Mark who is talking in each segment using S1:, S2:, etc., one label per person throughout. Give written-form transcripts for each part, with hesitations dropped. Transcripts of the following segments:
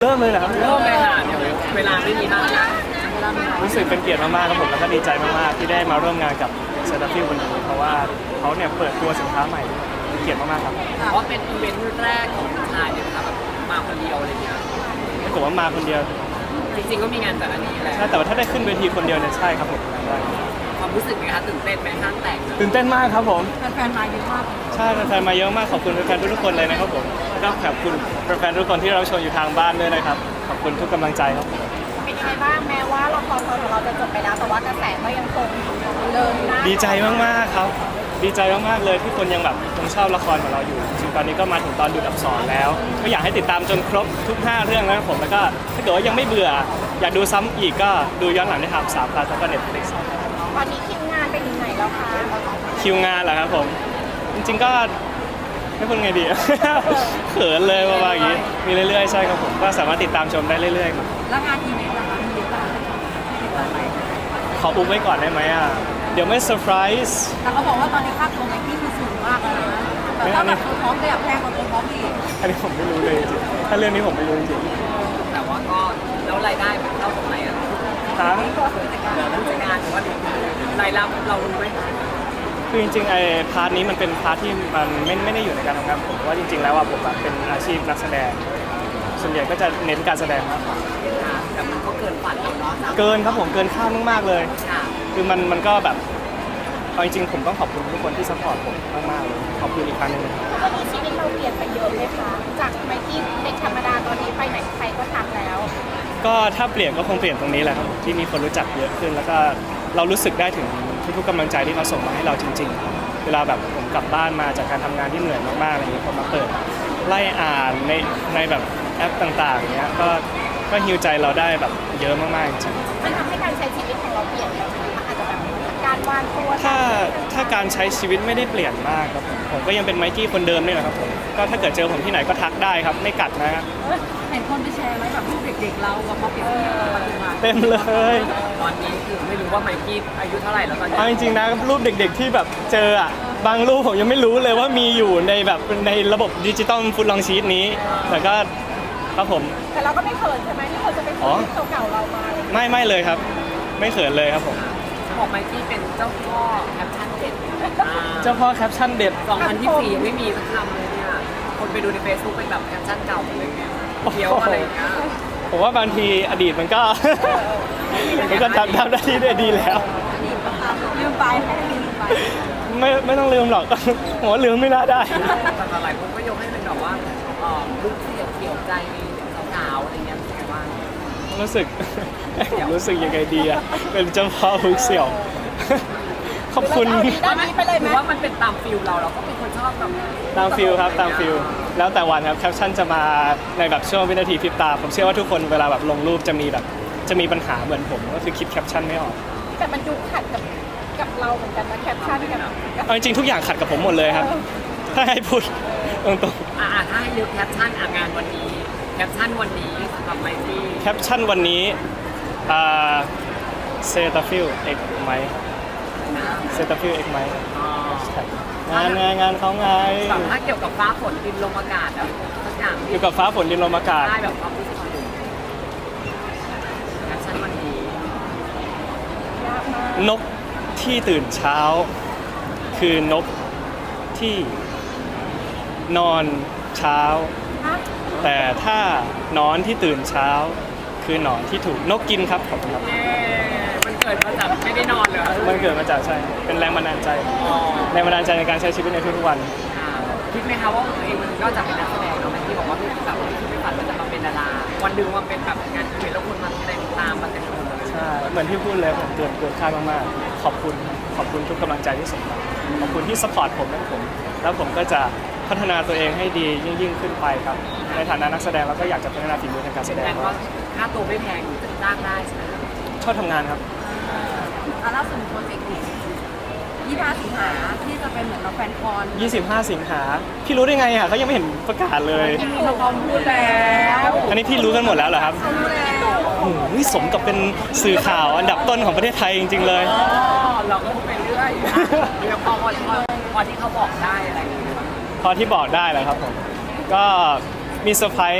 S1: เริ่มเลยเหรอครับ
S2: เริ่มเลยค่ะเดี๋ยวเวลาไม่มีมากนะ
S1: รู้สึกเป็นเกียรติมากๆครับผมแล้วก็ดีใจมากๆที่ได้มาร่วมงานกับเซอร์ฟิลวันนี้เพราะว่าเขาเนี่ยเปิดตัวสินค้าใหม่เป็นเกียรติมากๆครับ
S2: เพราะเป็นอีเวนต์แรกของชายเนี่ยนะครับแบบมาคนเดียวอะไรเงี้ย
S1: ผมว่ามาคนเดียว
S2: จริงๆก็มีงานแต่ละนี้แหละ
S1: ใช่แต่ว่าถ้าได้ขึ้นเวทีคนเดียวเนี่ยใช่ครับผมได้
S2: ความรู้สึกไหมคะตื่นเต้นไหมห้างแตก
S1: ตื่นเต้นมากครับผม
S2: แฟนๆมาเยอะมาก
S1: ใช่แฟนๆมาเยอะมากขอบคุณแฟนๆทุกๆคนเลยนะครับผมแล้วก็ขอบคุณแฟนๆทุกคนที่เราชมอยู่ทางบ้านด้วยนะครับขอบคุณทุกกำลังใจครับ
S3: เป็นยังไงบ้างแม้ว่าละครของเราจะจบไปแล้วแต่ว่ากระแสก็ยังคงเดินหน้า
S1: ดีใจมากๆครับดีใจมากๆเลยที่คนยังแบบยังชอบละครของเราอยู่จริงๆตอนนี้ก็มาถึงตอนดูอักษรแล้วก็อยากให้ติดตามจนครบทุก5เรื่องแล้วครับผมแล้วก็ถ้าเกิดว่ายังไม่เบื่ออยากดูซ้ำอีกก็ดูย้อนหลังได้ทาง3 Plus แล้วก็ Netflix
S3: ตอนนี้คิวงานไปถึงไหนแล้วคะ
S1: คิวงานเหรอครับผมจริงๆก็ไม่พูดไงดี เขินเลยประมาณอย่างนี้มีเรื่อยๆใช่ครับผมก็สามารถติดตามชมได้เรื่อยๆครับ
S3: แล้วงานอีเวนต์ล่ะคะมีเยอะมากติดต่อไป
S1: ขออุบไว้ก่อนได้ไหมอ่ะเดี๋ยวไม่เซอร์ไพรส์
S3: แต่เขาบอกว่าตอนนี้ค่าตัวไมค์กี้คือสูงมากแล้วนะแต่ถ้าแบบตัวท็อปก็อยากแพงกว่าตัวท็อปอีก
S1: อันนี้ผมไม่รู้เลยจริงๆถ้าเรื่องนี้ผมไม่รู้จริง
S2: แต่ว่าก็แล้วรายได้มันเข้าตรงไหนอะ
S1: ๆฮะ
S2: ผู้จัดการหรือว่ารายรับเรารู้ไหม
S1: คือจริงๆไอ้พาร์ทนี้มันเป็นพาร์ทที่มันไม่ได้อยู่ในการทำงานผมเพราะว่าจริงๆแล้วอ่ะผมอะเป็นอาชีพนักแสดง ส่วนใหญ่ก็จะเน้นการแสดงมากกว่า
S2: แต่มันก็เกินฝันเราเนาะ
S1: เกินครับผมเกินคาดมากๆเลย
S2: ค่ะ
S1: คือมันก็แบบเอาจริงๆผมต้องขอบคุณทุกคนที่ซัพพอร์ตผมมากๆเลยขอบคุณอีกครั้งหนึงนะครับ
S3: ตอนนี้ชีวิตเราเปลี่ยนไปเยอะเลยค่ะจากไมค์กี้เด็กธรรมดาตอนนี้ไปไหนใครก็ทักแล้ว
S1: ก็ถ้าเปลี่ยนก็คงเปลี่ยนตรงนี้แหละครับที่มีคนรู้จักเยอะขึ้น แล้วก็เรารู้สึกได้ถึงทุกๆกำลังใจที่เขาส่งมาให้เราจริงๆ เวลาแบบผมกลับบ้านมาจากการทำงานที่เหนื่อยมากๆอะไรอย่างเงี้ยพอมาเปิดไล่อ่านในแบบแอปต่างๆเนี้ยก็ฮิวใจเราได้แบบเยอะมากๆจริง
S3: มันทำให้การใช้ชีวิตของเราเปลี่ยนไปไหมคะอาจจะแบบการวางตัว
S1: ถ้าการใช้ชีวิตไม่ได้เปลี่ยนมากครับผมก็ยังเป็นไมค์กี้คนเดิมนี่แหละครับผมก็ถ้าเกิดเจอผมที่ไหนก็ทักได้ครับไม่กัดนะครับ
S3: เห็นคนไปแชร์ไหมแบบรูปเด็กๆเรากับพอเปรียบเทียบกับปัจจุบัน
S1: เต็มเลย
S2: ตอนนี้คือไม่รู้ว่าไมค์กี้อายุเท่าไหร่แล้วตอนนี้
S1: เอาจริงๆนะรูปเด็กๆที่แบบเจออ่ะบางรูปผมยังไม่รู้เลยว่ามีอยู่ในแบบในระบบดิจิตอลฟุตลองชีตนี้แต่ก็ครับผม
S3: แต่เราก็ไม่เขินใช่ไหมที่คนจะไปเขินรูปเก่าๆเรามาอะไรอย่างเงี้ย
S1: ไม่เลยครับ ไม่เขินเลยครับผม
S2: บอกไมค์กี้เป็นเจ้าพ่อแคปชั่นเด็ด
S1: เจ้าพ่อแคปชั่นเด็ด
S2: 2024ยังไม่มีสักคำเลยเนี่ย คนไปดูใน Facebook เป็นแบบแคปชั่นเก่าหมดเลยเนี่ยเที่ยวอะไรอย่างเงี้ย
S1: ผมว่าบางทีอดีตมันก็ มันก็ทำได้ที่ได้ดีแล้ว
S3: ลืมไปให้ลืมไป
S1: ไม่ต้องลืมหรอก ผมว่าลืมไม่น่าได้
S2: แต่หลายคนก็ยกให้เป็นแบบว่าลุคที่เกี่ยวใจสาวๆอะไรเงี้ยเป็นไงบ้าง
S1: รู้สึก รู้สึกยังไงดีอะเป็นเจ้าพ่อฮุกเสี่ยว ขอบคุณ
S3: ด้านนี้ไปเลยไห
S2: ห
S3: ม
S2: รือว่ามันเป็นตามฟิลเราก็เป็นคนชอบแบบ
S1: ตามฟิลครับตามฟิลแล้วแต่วันครับแคปชั่นจะมาในแบบช่วงวินาทีพริบตา ผมเชื่อว่าทุกคนเวลาแบบลงรูปจะมีปัญหาเหมือนผมก็คือคิดแคปชั่นไม่ออก
S3: แต่มันดูขัดกับเราเหมือนกันนะแคปชั่นกับ
S1: เอาจริงๆทุกอย่างขัดกับผมหมดเลยครับ ถ้าให้พูดตรง
S2: ถ้าให้นึกแคปชั่นงานวันนี้แคปชั่นวันนี้สำหรับไมค์กี้
S1: ๆแคปชั่นวันนี้เซตาฟิลเอ็กไหม
S2: นะ
S1: เซตาฟิลเอ็กไหม
S2: อ๋อ
S1: งานเขาไง
S2: แบบถ้าเกี่ยวกับฟ้าฝนดินลมอากาศแบบทุกอย่าง
S1: อยู่กับฟ้าฝนดินลมอากาศ
S2: ได้แบบความรู้สึกของคุณแคปชั่นวันนี้
S3: ยากมาก
S1: นกที่ตื่นเช้า คือนกที่นอนเช้า
S3: ฮะ
S1: แต่ถ้านอนที่ตื่นเช้า คือหนอนที่ถูกนกกินครับขอบคุณครับ
S2: เย้มันเกิดมาจากไม่ได้นอนเหรอ
S1: มันเกิดมาจากใช่เป็นแรงบันดาลใจ
S2: อ๋อ
S1: แรงบันดาลใจในการใช้ชีวิตในทุกๆวัน
S2: คิดไหมคะว่าตัวเองมันก็จะเป็นนักแสดงเนาะที่บอกว่าแบบที่ไม่ฝันว่าจะมาเป็นดาราวันหนึ่งมาเป็นแบบงานอีเวนต์แล้วคนมาแสดงตามมาเต็มไปหมดเลย
S1: ใช่เหมือนที่พูดเลยผมเกินคาดมากๆขอบคุณทุกกำลังใจที่ส่งมาขอบคุณที่สปอร์ตผมและผม แล้วผมก็จะพัฒนาตัวเองให้ดียิ่งขึ้นไปครับในฐานะนักแสดงแล้วก็อยากจะพัฒนาฝีมือทางการแสดง
S2: แต่ก็ค่าตัวไม่แพงจะจ้างได้ใช่ไหม
S1: ชอบทำงานครับ
S3: ล่าสุดโปรเจกต์25 สิงหาที่จะเป็นเหมือนเราแฟนคอน
S1: 25 สิงหาพี่รู้ได้ไงอ่ะเขายังไม่เห็นประกาศเลย
S3: มีละครพูดแล้ว
S1: อันนี้พี่รู้กันหมดแล้วเหรอครับ
S3: รู้แล้ว
S1: โอ้โหสมกับเป็นสื่อข่าวอันดับต้นของประเทศไทยจริงๆเลย
S2: อ๋อเราก็พูดไปเรื่อยเดี๋ยวพอที่เขาบอกได้อะไรอย่างเงี้ย
S1: พอที่บอกได้แหละครับผม ก็มีเซอร์ไพรส์ใน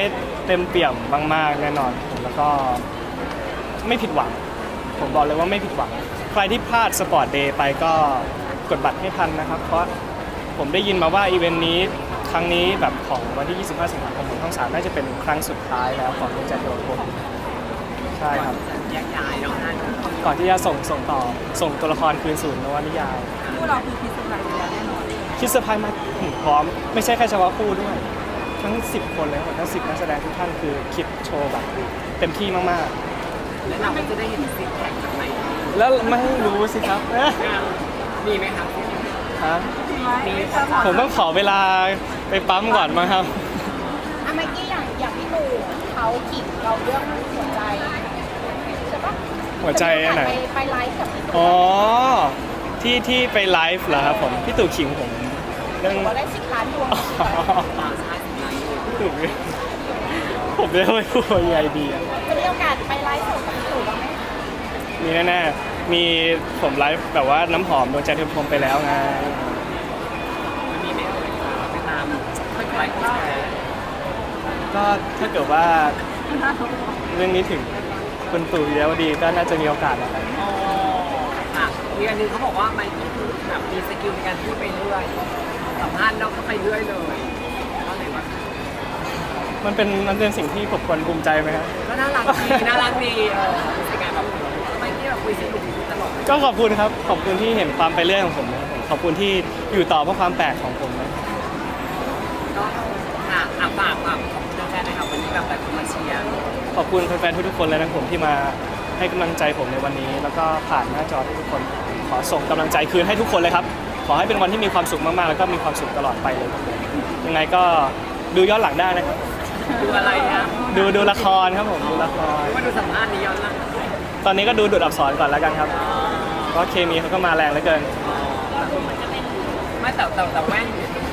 S1: ต็มเปี่ยมมากๆแน่นอนแล้วก็ไม่ผิดหวังผมบอกเลยว่าไม่ผิดหวังใครที่พลาดสปอร์ตเดย์ไปก็กดบัตรให้ทันนะครับเพราะผมได้ยินมาว่าอีเวนต์นี้ครั้งนี้แบบของวันที่ 25 สิงหาคมของช่อง 3น่าจะเป็นครั้งสุดท้ายแล้วของดวงใจดวงคนใช่ครับ
S2: แยกย้ายเนาะนั่น
S1: ก่อนที่จะส่งต่อส่งตัวละครคืนสู่นวนิยาย
S3: คู่เราคือพิสูจน์แบบนี้แน่นอน
S1: คิดเซอร์ไพรส์มาพร้อมไม่ใช่แค่เฉพาะคู่ด้วยทั้ง 10 คนเลยทั้ง 10 นักแสดงทุกท่านคือคิดโชว์แบบเต็มที่มาก
S2: แล้วเราก็จะได้เห็นซิกแพคจากไหน
S1: ๆ แล้วไม่รู้สิครับ
S2: มีไหมครับ
S1: ฮะ
S3: มี
S1: ผมต้องขอเวลาไปปั๊มก่อนมั้งครับ
S4: เมื่อกี้อย่างพี่ตู่เขาขิงเราเรื่องหัวใจใช่ปะ
S1: หัวใจอันไหน
S4: ไปไลฟ์กับพี่ตู่
S1: อ๋อที่ไปไลฟ์เหรอครับผมพี่ตู่ขิงผมเรื่อง
S4: บอกได้10 ล้านดวง
S2: ต่างชาติสิบล้านอยู่
S1: พี่ตู่ผมเรียกไม่พูดยังไงดีอะ
S4: จะมีโอกาสไปไลฟ์สดกับพี่ตู่บ้างไหม
S1: มีแน่ๆมีผมไลฟ์แบบว่าน้ำหอมดวงใจเทมพรมไปแล้วไง
S2: มันมีไหมเอ่ยไปตามค่อยๆไลฟ์แชร์
S1: ก็ถ้าเกิดว่าเรื่องนี้ถึงคุณตู่วิรวดีก็น่าจะมีโอกาสนะครับ
S2: อ๋อค่ะมีอันนึงเขาบอกว่าไมค์คือแบบมีสกิลในการพูดไปเรื่อยสัมภาษณ์เราก็ไปเรื่อยเลยก็เลยว่า
S1: มันเป็นสิ่งที่ผมควรภูมิใจไหมครับ
S2: ก็น่ารักดีน่ารักดีรู้สึกไงแบบไมค์ที่แบบคุยสนุกตลอด
S1: ก็ขอบคุณครับขอบคุณที่เห็นความไปเรื่อยของผมนะครับผมขอบคุณที่อยู่ต่อเพราะความแปลกของผมนะ
S2: ก็ค่ะฝากขอบคุณแฟนๆนะครับวันนี้แบบหลายคนมาเชียร์
S1: ขอบคุณแฟนๆทุกๆคนเลยนะครับผมที่มาให้กำลังใจผมในวันนี้ แล้วก็ผ่านหน้าจอทุกๆคนขอส่งกำลังใจคืนให้ทุกคนเลยครับขอให้เป็นวันที่มีความสุขมากๆแล้วก็มีความสุขตลอดไปเลยครับผมยังไงก็ดูย้อนหลังได้นะครับ
S2: ดูอะไรนะ
S1: ดูละครครับผมดูละคร
S2: ว่าดูสัมภาษณ์นี้ย้อนหลัง
S1: ตอนนี้ก็ดูดูดอักษรก่อนแล้วกันครับเพราะเคมีเขาก็มาแรงเหลือเกิน
S2: ไม่แต่แว่น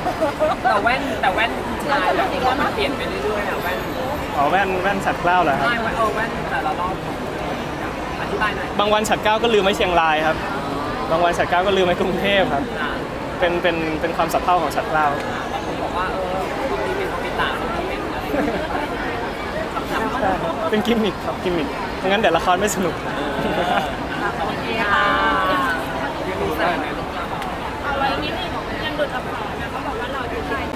S2: ชายแบบมันเปลี่ยนไปเรื่อยๆอะแว่น
S1: อ๋อแว่นฉัดเกล้าเหรอครับ
S2: ใช่แว่นแต่ละรอบอธิบายหน่อย
S1: บางวันฉัดเกล้าก็ลืมไว้เชียงรายครับบางวันฉัดเกล้าก็ลืมไว้กรุงเทพครับ
S2: อ่า
S1: เป็นความสับเพร่าของฉัดเกล้า
S2: บางคนบอกว่าบางทีเป็นคอมพิวเตอร์บางทีเป็นอะไรคำ
S1: ใช่เป็นกิมมิคครับกิมมิคไม่งั้นเดี๋ยวละครไม่สนุก
S2: โอเคค่ะยังมีใส่ไหมลูก
S4: เอาไว้นิดนึงยังดุดอับสอนนะเขาบอกว่าเราดูได้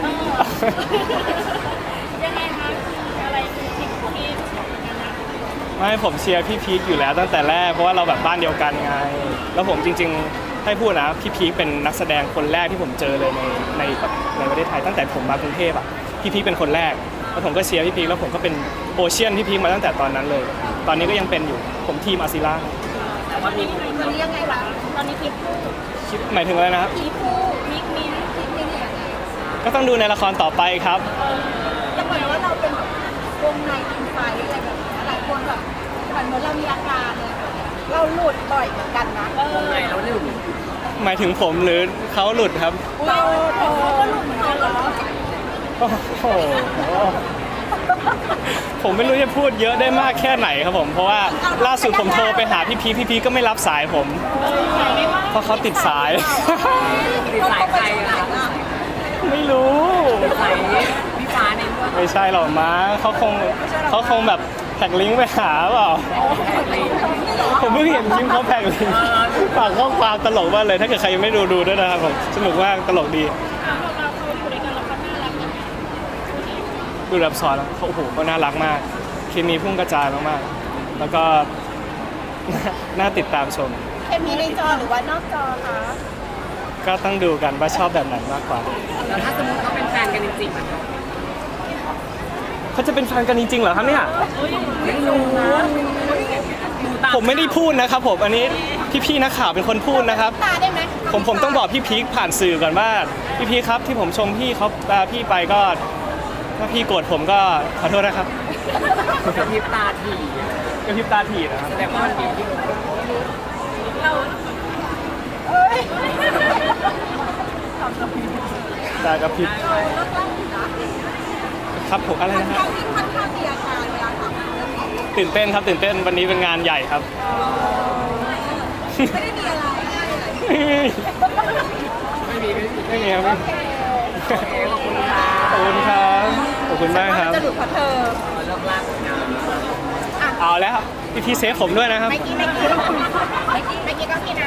S4: ยังไงคะอะไรคือสิ่งที่บอกกันนะ
S1: ไม่ผมเชียร์พี่พีคอยู่แล้วตั้งแต่แรกเพราะว่าเราแบบบ้านเดียวกันไง แล้วผมจริงๆให้พูดนะพี่พีคเป็นนักแสดงคนแรกที่ผมเจอเลยในประเทศไทยตั้งแต่ผมมากรุงเทพอ่ะพี่พีคเป็นคนแรกแล้วผมก็เชียร์พี่พีคแล้วผมก็เป็นโอเชียนพี่พีคมาตั้งแต่ตอนนั้นเลย ตอนนี้ก็ยังเป็นอยู่ผมทีมอาซิล่า
S2: แต่ว่ามี
S4: ตอนนี้ยังไงวะตอนนี้พีคู่
S1: หมายถึงอะไรนะครับ
S4: พีคู่มิกมิ้นพีมิ้นเนี่ย
S1: ก็ต้องดูในละครต่อไปครับ
S4: จะบอกว่าเราเป็นแบบวงในอินไฟอะไรแบบนี้หลายคนแบบเหมือนเรามีอาการอะไรแบบนี้เราหลุดบ่อยเหมือนกันนะ
S2: วงในแล้วหนึ่ง
S1: หมายถึงผมหรือเขาหลุดครับ
S4: เราก็หลุดเหมือนกันเหรอ
S1: โอ้โหผมไม่รู้จะพูดเยอะได้มากแค่ไหนครับผมเพราะว่าล่าสุดผมโทรไปหาพี่พีก็ไม่รับสายผม เพราะเขาติดสาย
S2: ติดสายใครอะคะ
S1: ไม่รู้
S2: ติดสายพี่ฟ้าในเรื่อง
S1: ไม่ใช่หรอกมั้งเขาคงแบบแท็กลิงก์ไปหาเปล่า
S2: แท็กลิงก์
S1: ผมเพิ่งเห็นคลิปเขาแท็กลิงก์ฝากข้อความตลกมากเลย ถ้าเกิดใครยังไม่ดูด้วยนะครับผมสนุกมากตลกดีดูแบบสอนแล้วเขาโอ้โหเขาน่ารักมากเคมีพุ่งกระจายมากๆแล้วก็ น่าติดตามชม
S4: เคมีในจอหรือว่านอกจอคะ
S1: ก็ต้องดูกันว่าชอบแบบไหนมากกว่า
S2: แล้วถ้าสมมติเขาเป็นแฟนกันจริงๆอะ
S1: เขาจะเป็นแฟนกันจริงๆเหรอครับเนี่ย
S2: ไม่รู้นะตา
S1: ผมไม่ได้พูดนะครับผมอันนี้พี่ๆนักข่าวเป็นคนพูดนะครับ
S4: ตาได้ไหม
S1: ผมต้องบอกพี่พีคผ่านสื่อก่อนว่าพี่พีคครับที่ผมชมพี่เขาพี่ไปก็ถ้าพี่โกรธผมก็ขอโทษนะครับ
S2: กระพริบตาถี่
S1: กระพริบตาถีนะครับ
S2: แสดงว่ามันมีที่
S1: ตากระพริบครับผมอะไรนะฮะ
S4: เราที่ค่อนข้างมีอาการเวลาทำเรื่องนี้
S1: ตื่นเต้นครับตื่นเต้นวันนี้เป็นงานใหญ่ครับ
S4: ไม่ได้มีอะไร
S2: ไม่มี
S1: ไม่มีครับ
S2: โอเคขอบคุณค่ะ
S1: ขอบคุณครับขอบคุณมากครับ
S4: จะหลุดเพราะเธอ
S2: เลิลิกลากงาน
S1: เอาแล้วพี่เซฟผมด้วยนะครับ
S4: เมื่อกี้ก็มีนะ